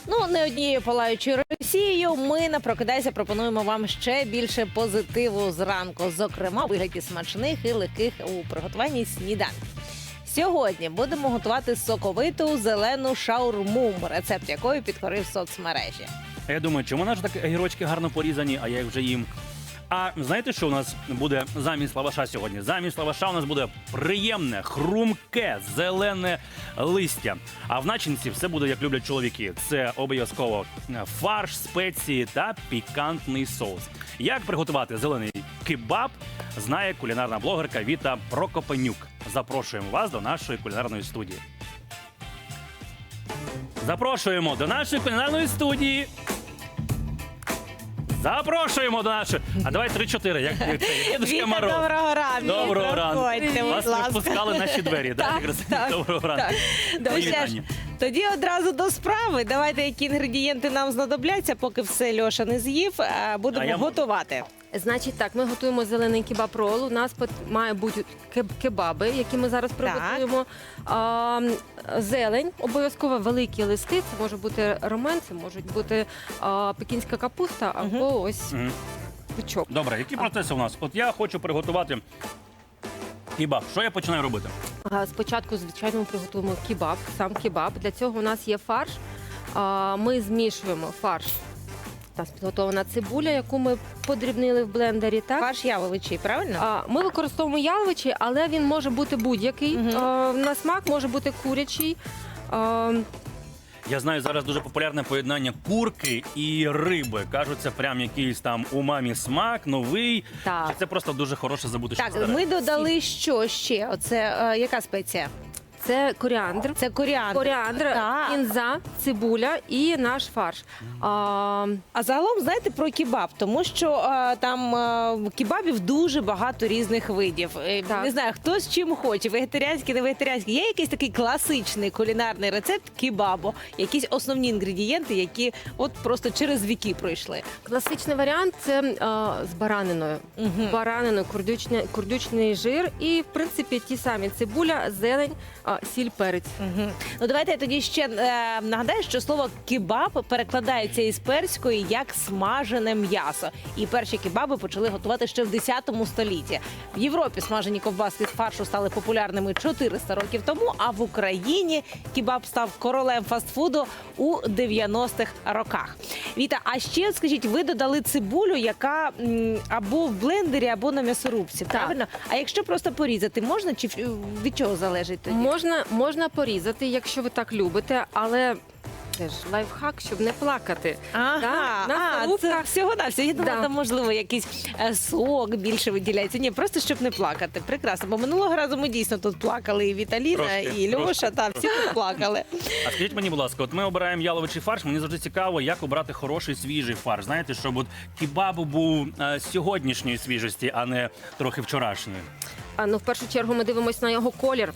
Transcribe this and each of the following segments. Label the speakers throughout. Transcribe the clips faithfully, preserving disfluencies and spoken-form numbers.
Speaker 1: Ну, не однією палаючою Росією, ми на «Прокидайся» пропонуємо вам ще більше позитиву зранку, зокрема, у вигляді смачних і легких у приготуванні сніданків. Сьогодні будемо готувати соковиту зелену шаурму, рецепт якої підкорив соцмережі.
Speaker 2: А я думаю, чому наші так огірочки гарно порізані, а я їх вже їм. А знаєте, що у нас буде замість лаваша сьогодні? Замість лаваша у нас буде приємне, хрумке, зелене листя. А в начинці все буде, як люблять чоловіки. Це обов'язково фарш, спеції та пікантний соус. Як приготувати зелений кебаб, знає кулінарна блогерка Віта Прокопенюк. Запрошуємо вас до нашої кулінарної студії. Запрошуємо до нашої кулінарної студії. Запрошуємо до нашої. А давай три-чотири. Як це? Дідуська
Speaker 1: Віта,
Speaker 2: Мороз.
Speaker 1: доброго ранку.
Speaker 2: Доброго ранку.
Speaker 1: Проходьте, будь
Speaker 2: Вас
Speaker 1: ласка.
Speaker 2: випускали наші двері.
Speaker 1: Так,
Speaker 2: Так,
Speaker 1: так,
Speaker 2: доброго ранку.
Speaker 1: Ну,
Speaker 2: Мої
Speaker 1: що ж,
Speaker 2: вітання.
Speaker 1: тоді одразу до справи. Давайте, які інгредієнти нам знадобляться, поки все Льоша не з'їв, а будемо
Speaker 2: А я можу.
Speaker 1: готувати.
Speaker 3: Значить так, ми готуємо зелений кебаб-рол. У нас пот- має бути кеб- кебаби, які ми зараз приготуємо. А, зелень, обов'язково великі листи. Це може бути ромен, це можуть бути а, пекінська капуста або ось
Speaker 2: Мгм.
Speaker 3: пучок.
Speaker 2: Добре, які процеси у нас? От я хочу приготувати кебаб. Що я починаю робити?
Speaker 3: А, Спочатку, звичайно, ми приготуємо кебаб, сам кебаб. Для цього у нас є фарш. А, Ми змішуємо фарш. У нас підготовлена цибуля, яку ми подрібнили в блендері. Так?
Speaker 1: Фарш яловичий, правильно?
Speaker 3: А, Ми використовуємо яловичий, але він може бути будь-який.
Speaker 1: Мгм.
Speaker 3: А, На смак може бути курячий. А,
Speaker 2: Я знаю, зараз дуже популярне поєднання курки і риби. Кажуть, це прям якийсь там умамі смак, новий.
Speaker 3: Так.
Speaker 2: Чи це просто дуже хороше забути, що
Speaker 1: Так,
Speaker 2: старе?
Speaker 1: ми додали що ще? Оце е, яка спеція?
Speaker 3: Це коріандр.
Speaker 1: Це коріандр.
Speaker 3: Коріандр,
Speaker 1: Так.
Speaker 3: кінза, цибуля і наш фарш. А,
Speaker 1: А загалом знаєте про кебаб, тому що е, там е, кебабів дуже багато різних видів. Е,
Speaker 3: Так.
Speaker 1: Не знаю, хто з чим хоче, вегетаріанський, не вегетаріанський. Є якийсь такий класичний кулінарний рецепт кебабу, якісь основні інгредієнти, які от просто через віки пройшли.
Speaker 3: Класичний варіант це а, з бараниною.
Speaker 1: Мгм.
Speaker 3: Бараниною, курдючний, курдючний жир і, в принципі, ті самі цибуля, зелень, а, сіль, перець.
Speaker 1: Мгм. Ну давайте я тоді ще е, нагадаю, що слово кебаб перекладається із перської як смажене м'ясо. І перші кебаби почали готувати ще в десятому столітті. В Європі смажені ковбаски з фаршу стали популярними чотириста років тому, а в Україні кебаб став королем фастфуду у дев'яностих роках. Віта, а ще от скажіть, ви додали цибулю, яка м, або в блендері, або на м'ясорубці, правильно? А якщо просто порізати, можна чи від чого залежить тоді?
Speaker 3: Можна, можна порізати, якщо ви так любите, але це ж лайфхак, щоб не плакати.
Speaker 1: Ага,
Speaker 3: Так, на
Speaker 1: а, це
Speaker 3: коробках.
Speaker 1: всього на все. Я думала,
Speaker 3: Да.
Speaker 1: там можливо якийсь е, сок більше виділяється. Ні, просто щоб не плакати. Прекрасно. Бо минулого разу ми дійсно тут плакали і Віталіна,
Speaker 2: Трошки,
Speaker 1: і Льоша.
Speaker 2: трошки,
Speaker 1: Та всі тут плакали.
Speaker 2: А скажіть мені, будь ласка, от ми обираємо яловичий фарш. Мені завжди цікаво, як обрати хороший свіжий фарш. Знаєте, щоб от кебаб був е, сьогоднішньої свіжості, а не трохи вчорашньої.
Speaker 3: А, ну, в першу чергу ми дивимося на його колір.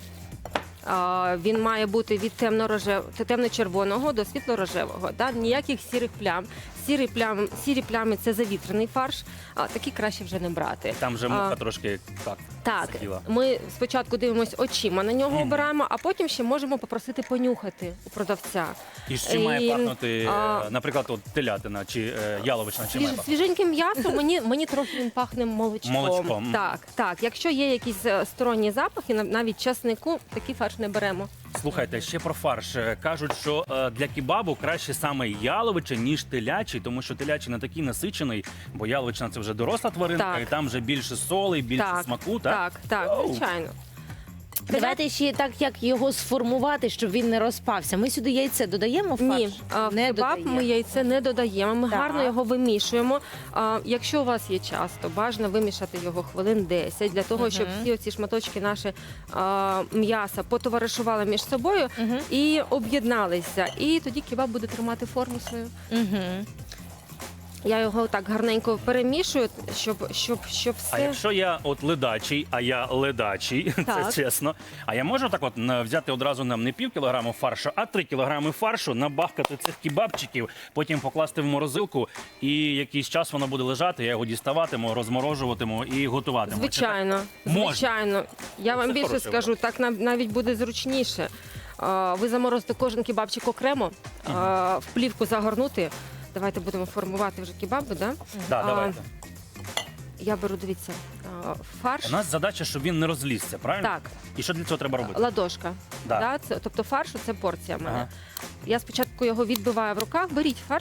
Speaker 3: А, він має бути від темно-рожев... темно-червоного до світло-рожевого. Да? Ніяких сірих плям. Сірі, плям... Сірі плями – це завітрений фарш, а такі краще вже не брати.
Speaker 2: Там вже муха
Speaker 3: А,
Speaker 2: трошки так.
Speaker 3: Так,
Speaker 2: сиділа.
Speaker 3: ми спочатку дивимося очима на нього обираємо, а потім ще можемо попросити понюхати у продавця.
Speaker 2: І з чим має
Speaker 3: І,
Speaker 2: пахнути, е,
Speaker 3: а,
Speaker 2: наприклад, от телятина чи е, яловична, чи має
Speaker 3: Свіж,
Speaker 2: пахнути?
Speaker 3: свіженьким м'ясом мені, мені трохи він пахне молочком.
Speaker 2: Молочком.
Speaker 3: Так, так. Якщо є якісь е, сторонні запахи, нав- навіть часнику, такий фарш не беремо.
Speaker 2: Слухайте, ще про фарш. Е, Кажуть, що е, для кебабу краще саме яловича, ніж телячий, тому що телячий не такий насичений, бо яловична – це вже доросла тваринка,
Speaker 3: Так.
Speaker 2: і там вже більше соли, більше
Speaker 3: Так,
Speaker 2: смаку, так?
Speaker 3: Так, так,
Speaker 2: Оу.
Speaker 3: звичайно.
Speaker 1: Давайте ще так, як його сформувати, щоб він не розпався. Ми сюди яйце додаємо в фарш?
Speaker 3: Ні, а, в
Speaker 1: не
Speaker 3: кебаб
Speaker 1: додаємо.
Speaker 3: ми яйце не додаємо. Ми
Speaker 1: Так.
Speaker 3: гарно його вимішуємо. А, якщо у вас є час, то бажано вимішати його хвилин десять, для того, щоб
Speaker 1: Мгм.
Speaker 3: всі оці шматочки наші а, м'яса потоваришували між собою
Speaker 1: Мгм.
Speaker 3: і об'єдналися. І тоді кебаб буде тримати форму свою.
Speaker 1: Мгм.
Speaker 3: Я його так гарненько перемішую, щоб, щоб, щоб
Speaker 2: А
Speaker 3: все.
Speaker 2: якщо я от ледачий, а я ледачий, це
Speaker 3: Так.
Speaker 2: чесно. А я можу так от на- взяти одразу нам не пів кілограму фаршу, а три кілограми фаршу, набахкати цих кебабчиків, потім покласти в морозилку, і якийсь час воно буде лежати, я його діставатиму, розморожуватиму і готуватиму. Чи так?
Speaker 3: Звичайно,
Speaker 2: Можна.
Speaker 3: звичайно. Я вам
Speaker 2: Це
Speaker 3: більше
Speaker 2: хороший
Speaker 3: скажу, так нам навіть буде зручніше. а, ви заморозите кожен кебабчик окремо, а, в плівку загорнути. Давайте будемо формувати вже кебаби, да?
Speaker 2: Да,
Speaker 3: А,
Speaker 2: давайте.
Speaker 3: Я беру, дивіться, а, фарш.
Speaker 2: У нас задача, щоб він не розлізся, правильно?
Speaker 3: Так,
Speaker 2: І що для цього треба робити?
Speaker 3: ладошка.
Speaker 2: Да.
Speaker 3: Да, це, тобто фаршу це порція в мене.
Speaker 2: Ага.
Speaker 3: Я спочатку його відбиваю в руках. Беріть фарш.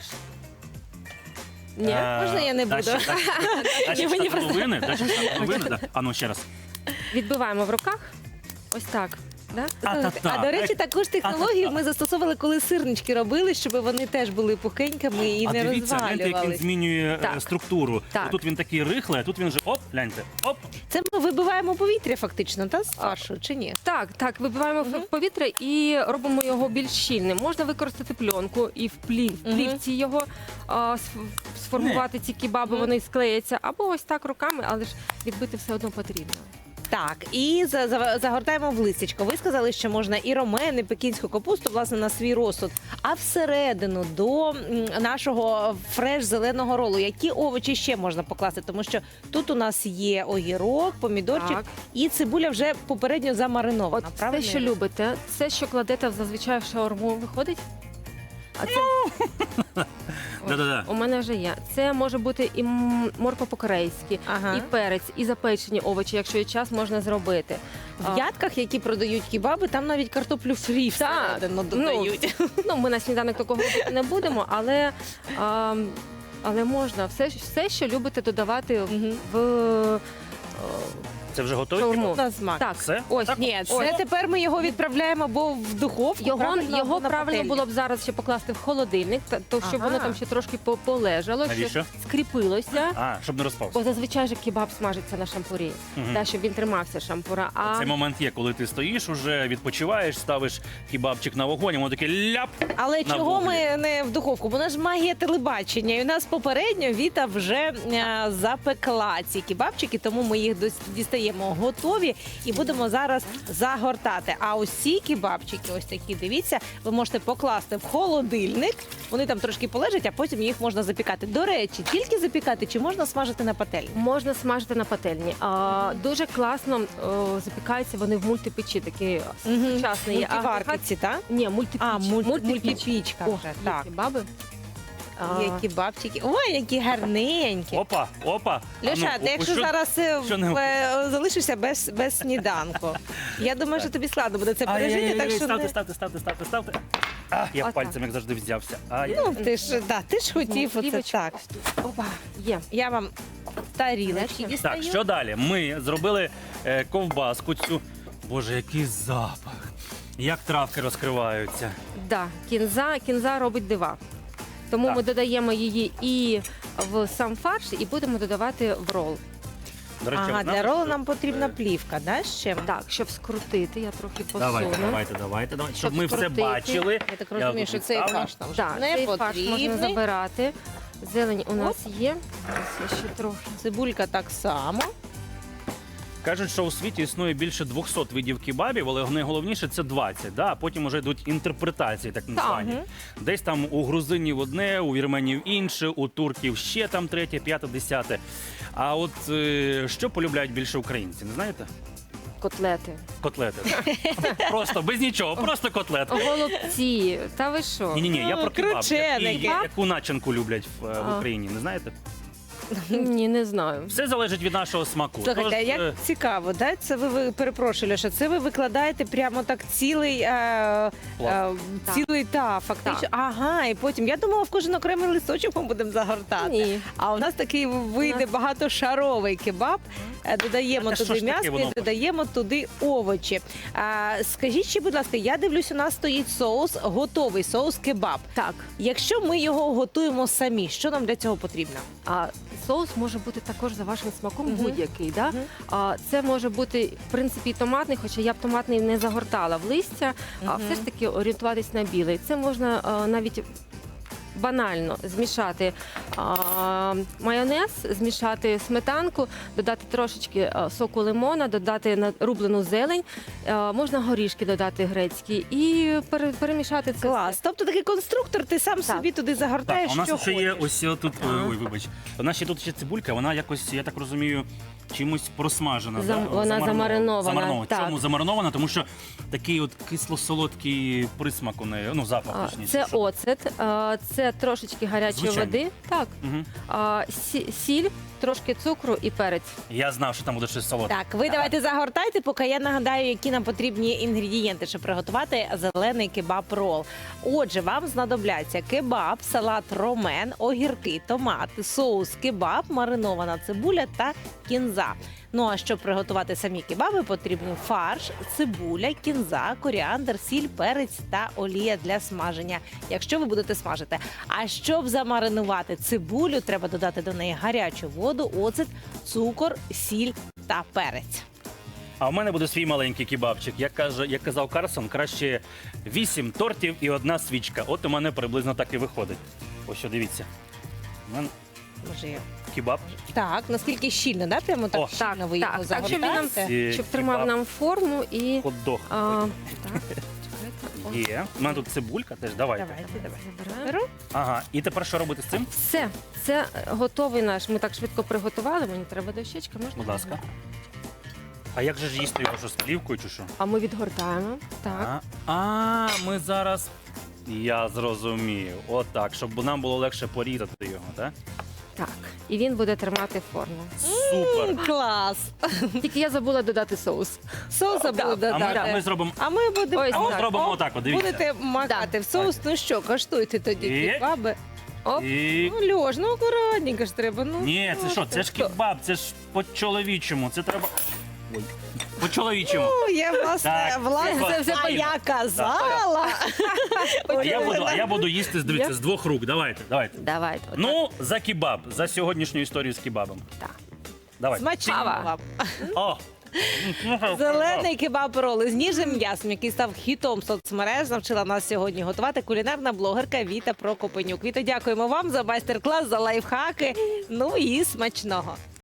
Speaker 3: Ні.
Speaker 2: Е,
Speaker 1: Можна я не буду?
Speaker 2: Дальше, дальше, дальше
Speaker 1: Ні, мені
Speaker 2: штат половини, дальше штат половини, да. А ну ще раз.
Speaker 3: Відбиваємо в руках. Ось так. Да?
Speaker 2: Та-та-та.
Speaker 1: А до речі, таку ж технологію ми застосовували, коли сирнички робили, щоб вони теж були пухенькими і
Speaker 2: А
Speaker 1: не
Speaker 2: дивіться, гляньте, як він
Speaker 1: розвалювались.
Speaker 2: змінює е,
Speaker 3: Так.
Speaker 2: структуру.
Speaker 3: Так.
Speaker 2: Тут він такий рихлий, а тут він вже оп, гляньте, оп.
Speaker 1: Це ми вибиваємо повітря фактично, та з фаршу, чи ні?
Speaker 3: Так, так, вибиваємо в повітря і робимо його більш щільним. Можна використати пленку і в плів, в
Speaker 1: Мгм.
Speaker 3: плівці його а, сф- сформувати ці кебаби,
Speaker 1: Мгм.
Speaker 3: вони склеяться. Або ось так руками, але ж відбити все одно потрібно.
Speaker 1: Так, і за- за- загортаємо в листячко. Ви сказали, що можна і ромен, і пекінську капусту, власне, на свій розсуд. А всередину до м, нашого фреш зеленого ролу, які овочі ще можна покласти? Тому що тут у нас є огірок, помідорчик
Speaker 3: Так.
Speaker 1: і цибуля вже попередньо
Speaker 3: От
Speaker 1: замаринована.
Speaker 3: все,
Speaker 1: правильно?
Speaker 3: що любите, це, що кладете зазвичай в шаурму, виходить? А це
Speaker 2: Да-да-да.
Speaker 3: у мене вже є. Це може бути і м- морква по-корейськи,
Speaker 1: Ага.
Speaker 3: і перець, і запечені овочі, якщо є час, можна зробити. А,
Speaker 1: В ядках, які продають кебаби, там навіть картоплю фрі
Speaker 3: Так.
Speaker 1: всередину додають.
Speaker 3: Ну, ми на сніданок такого робити не будемо, але, а, але можна все, все, що любите додавати
Speaker 1: Мгм.
Speaker 3: в е,
Speaker 2: Це вже готові?
Speaker 3: шаурму.
Speaker 1: На смак.
Speaker 3: Так,
Speaker 2: Все?
Speaker 3: ось.
Speaker 2: Так?
Speaker 1: Ні, це
Speaker 3: Ось.
Speaker 1: тепер ми його відправляємо або в духовку.
Speaker 3: Його,
Speaker 1: правильно,
Speaker 3: його
Speaker 1: або на
Speaker 3: правильно
Speaker 1: пательню.
Speaker 3: було б зараз ще покласти в холодильник, та- то щоб
Speaker 1: Ага.
Speaker 3: воно там ще трошки по- полежало,
Speaker 2: Навіщо?
Speaker 3: щоб скріпилося.
Speaker 2: А, щоб не розпався.
Speaker 3: Бо зазвичай же кебаб смажиться на шампурі,
Speaker 2: Мгм.
Speaker 3: та, щоб він тримався шампура. А
Speaker 2: Цей момент є, коли ти стоїш, уже відпочиваєш, ставиш кебабчик на вогонь, і воно таке ляп.
Speaker 1: Але
Speaker 2: на
Speaker 1: чого
Speaker 2: вуглі.
Speaker 1: ми не в духовку? Бо у нас ж магія телебачення. І у нас попередньо Віта вже е, запекла ці кебабчики, тому ми їх дос- дістаємо готові і будемо зараз загортати. А ось ці кебабчики, ось такі, дивіться, ви можете покласти в холодильник. Вони там трошки полежать, а потім їх можна запікати. До речі, тільки запікати чи можна смажити на пательні?
Speaker 3: можна смажити на пательні. А, дуже класно о, запікаються вони в мультипечі, такі сучасний є агрегат.
Speaker 1: Мультиварки, так?
Speaker 3: Ні, мультипіч.
Speaker 1: А, мульт-
Speaker 3: Мультипіч.
Speaker 1: мультипічка
Speaker 3: О,
Speaker 1: вже,
Speaker 3: є
Speaker 1: так.
Speaker 3: кебаби. А,
Speaker 1: Є кебабчики. Ой, які гарненькі.
Speaker 2: Опа, опа.
Speaker 1: Льоша,
Speaker 2: А ну,
Speaker 1: ти якщо
Speaker 2: що-
Speaker 1: зараз е,
Speaker 2: що не-
Speaker 1: в- е, залишишся без, без сніданку, я думаю, що тобі складно буде це пережити,
Speaker 2: Ай-яй-яй,
Speaker 1: так що
Speaker 2: ставте,
Speaker 1: не...
Speaker 2: ставте, ставте, ставте, ставте. А, я
Speaker 3: Отак.
Speaker 2: пальцем, як завжди, взявся. Ай.
Speaker 1: Ну, ти ж, да, ти ж хотів оце
Speaker 3: Плівочку
Speaker 1: так.
Speaker 3: ось тут. Опа, є.
Speaker 1: Я вам тарілочки
Speaker 3: Так,
Speaker 1: дістаю.
Speaker 2: Так, що далі? Ми зробили е, ковбаску цю. Боже, який запах. Як травки розкриваються.
Speaker 3: Да, кінза, кінза робить дива. Тому
Speaker 2: Так.
Speaker 3: ми додаємо її і в сам фарш, і будемо додавати в рол.
Speaker 2: До речі,
Speaker 1: Ага,
Speaker 2: ви знали,
Speaker 1: для ролу
Speaker 2: що-
Speaker 1: нам потрібна
Speaker 2: Е,
Speaker 1: плівка, да, ще?
Speaker 3: Так, щоб скрутити, я трохи посуну.
Speaker 2: Давайте, давайте, давайте, давайте. Щоб
Speaker 3: Щоб
Speaker 2: ми все
Speaker 3: скрутити.
Speaker 2: бачили.
Speaker 1: Я так розумію,
Speaker 2: тут
Speaker 1: що цей
Speaker 2: відставлю.
Speaker 1: фарш нам вже
Speaker 3: Так,
Speaker 1: не
Speaker 3: цей фарш можна
Speaker 1: потрібний.
Speaker 3: забирати. Зелень у нас є. Зараз я ще трохи.
Speaker 1: Цибулька так само.
Speaker 2: Кажуть, що у світі існує більше двохсот видів кебабів, але найголовніше це двадцять. Да? А потім вже йдуть інтерпретації, так названі.
Speaker 1: Мгм.
Speaker 2: Десь там у грузинів одне, у вірменів інше, у турків ще там третє, п'яте, десяте. А от е, що полюбляють більше українці, не знаєте?
Speaker 3: Котлети.
Speaker 2: Котлети. Просто без нічого, просто котлети.
Speaker 3: Голубці. Та ви що?
Speaker 2: Ні, ні, ні, я про кебаб.
Speaker 1: Крученики.
Speaker 2: Які- Яку начинку люблять в, е, в
Speaker 3: А.
Speaker 2: Україні, не знаєте?
Speaker 3: Ні, не знаю.
Speaker 2: Все залежить від нашого смаку.
Speaker 1: Слухайте, а
Speaker 2: Тож,
Speaker 1: як
Speaker 2: е,
Speaker 1: цікаво, да? Це ви, ви перепрошую, Льоша, це ви викладаєте прямо так цілий, е, е,
Speaker 2: Пласт.
Speaker 1: цілий та фактично.
Speaker 3: Так.
Speaker 1: Ага, і потім я думала, в кожен окремий листочок ми будемо загортати.
Speaker 3: Ні.
Speaker 1: А у нас такий вийде
Speaker 3: нас-
Speaker 1: багатошаровий кебаб. Е, Додаємо
Speaker 2: А що
Speaker 1: туди
Speaker 2: ж таке
Speaker 1: м'ясо
Speaker 2: воно?
Speaker 1: і додаємо туди овочі. А, скажіть ще, будь ласка, я дивлюсь, у нас стоїть соус, готовий соус кебаб.
Speaker 3: Так.
Speaker 1: Якщо ми його готуємо самі, що нам для цього потрібно?
Speaker 3: А соус може бути також за вашим смаком
Speaker 1: Мгм.
Speaker 3: будь-який. Да?
Speaker 1: Мгм.
Speaker 3: А, це може бути, в принципі, і томатний, хоча я б томатний не загортала в листя, а
Speaker 1: Мгм.
Speaker 3: все ж таки орієнтуватись на білий. Це можна а, навіть банально змішати а, майонез, змішати сметанку, додати трошечки а, соку лимона, додати на- рублену зелень, а, можна горішки додати грецькі і пере- перемішати це.
Speaker 1: Клас. Тобто такий конструктор, ти сам собі туди
Speaker 2: Так,
Speaker 1: загортаєш,
Speaker 2: а у нас
Speaker 1: що
Speaker 2: ще є
Speaker 1: хочеш.
Speaker 2: ось тут. Ой, вибач. У нас ще тут ще цибулька, вона якось, я так розумію, чимось просмажена.
Speaker 3: Зам-
Speaker 2: да?
Speaker 3: вона замаринована,
Speaker 2: Замаринована.
Speaker 3: так.
Speaker 2: Чому замаринована? Тому що такий от кисло-солодкий присмак у неї, ну запах
Speaker 3: А,
Speaker 2: точніше.
Speaker 3: Це
Speaker 2: що-
Speaker 3: оцет, а, це трошечки гарячої
Speaker 2: Звичайно.
Speaker 3: води, так,
Speaker 2: Мгм.
Speaker 3: а, сі- сіль, трошки цукру і перець.
Speaker 2: Я знав, що там буде щось солодке.
Speaker 1: Так, ви давайте загортайте, поки я нагадаю, які нам потрібні інгредієнти, щоб приготувати зелений кебаб-рол. Отже, вам знадобляться кебаб, салат ромен, огірки, томати, соус кебаб, маринована цибуля та кінза. Ну а щоб приготувати самі кебаби, потрібен фарш, цибуля, кінза, коріандр, сіль, перець та олія для смаження, якщо ви будете смажити. А щоб замаринувати цибулю, треба додати до неї гарячу воду, оцет, цукор, сіль та перець.
Speaker 2: А в мене буде свій маленький кебабчик. Як каже, як казав Карсон, краще вісім тортів і одна свічка. От у мене приблизно так і виходить. Ось що, дивіться. У мене
Speaker 1: Може, я-
Speaker 2: кебаб.
Speaker 1: Так, наскільки щільно, да? Прямо так
Speaker 2: О.
Speaker 1: щільно ви його
Speaker 3: Так, так, щоб він нам
Speaker 1: загортаєте?
Speaker 2: Ці
Speaker 3: щоб тримав
Speaker 2: кебаб.
Speaker 3: нам форму і
Speaker 2: Хот-дог.
Speaker 3: а, так, чекайте, о,
Speaker 2: Є. У мене тут цибулька теж. Давайте.
Speaker 1: Давайте, давайте.
Speaker 3: забираємо.
Speaker 1: Беру.
Speaker 2: Ага. І тепер що робити з цим?
Speaker 3: Все, це готовий наш. Ми так швидко приготували. Мені треба дощечка, можна?
Speaker 2: Будь ласка. А як же ж їсти його що з плівкою чи що?
Speaker 3: А ми відгортаємо. Так.
Speaker 2: А, а ми зараз. Я зрозумів. Отак, щоб нам було легше порізати його, так?
Speaker 3: Так. І він буде тримати форму.
Speaker 2: Супер.
Speaker 1: М, Клас!
Speaker 3: Тільки я забула додати соус.
Speaker 1: Соуса
Speaker 3: Да.
Speaker 1: буде
Speaker 2: А ми, а ми
Speaker 1: додати.
Speaker 2: зробимо.
Speaker 1: А ми будемо
Speaker 3: Ось
Speaker 2: А ми
Speaker 3: так.
Speaker 2: зробимо отак, от, дивіться.
Speaker 1: Будете макати в соус. Ну що, коштуйте тоді
Speaker 2: І?
Speaker 1: кебаби.
Speaker 3: Оп.
Speaker 2: І...
Speaker 1: Ну, Льош, ну акуратненько ж треба. Ну,
Speaker 2: Ні, це що? Це ж кебаб, це ж по-чоловічому. Це треба. Ой. По-чоловічому.
Speaker 1: Ну, я власне,
Speaker 2: Так,
Speaker 1: власне,
Speaker 2: це
Speaker 1: це вже
Speaker 2: файно.
Speaker 1: я казала.
Speaker 2: А я буду, а я буду їсти, дивіться, з двох рук. Давайте, давайте.
Speaker 3: Давайте. отак.
Speaker 2: Ну, за кебаб, за сьогоднішню історію з кебабом.
Speaker 3: Так.
Speaker 2: Давай.
Speaker 1: Смачного
Speaker 3: Ава.
Speaker 1: вам.
Speaker 2: О!
Speaker 1: Зелений кебаб-роли з ніжним м'ясом, який став хітом соцмереж, навчила нас сьогодні готувати кулінарна блогерка Віта Прокопенюк. Віта, дякуємо вам за майстер-клас, за лайфхаки. Ну і смачного.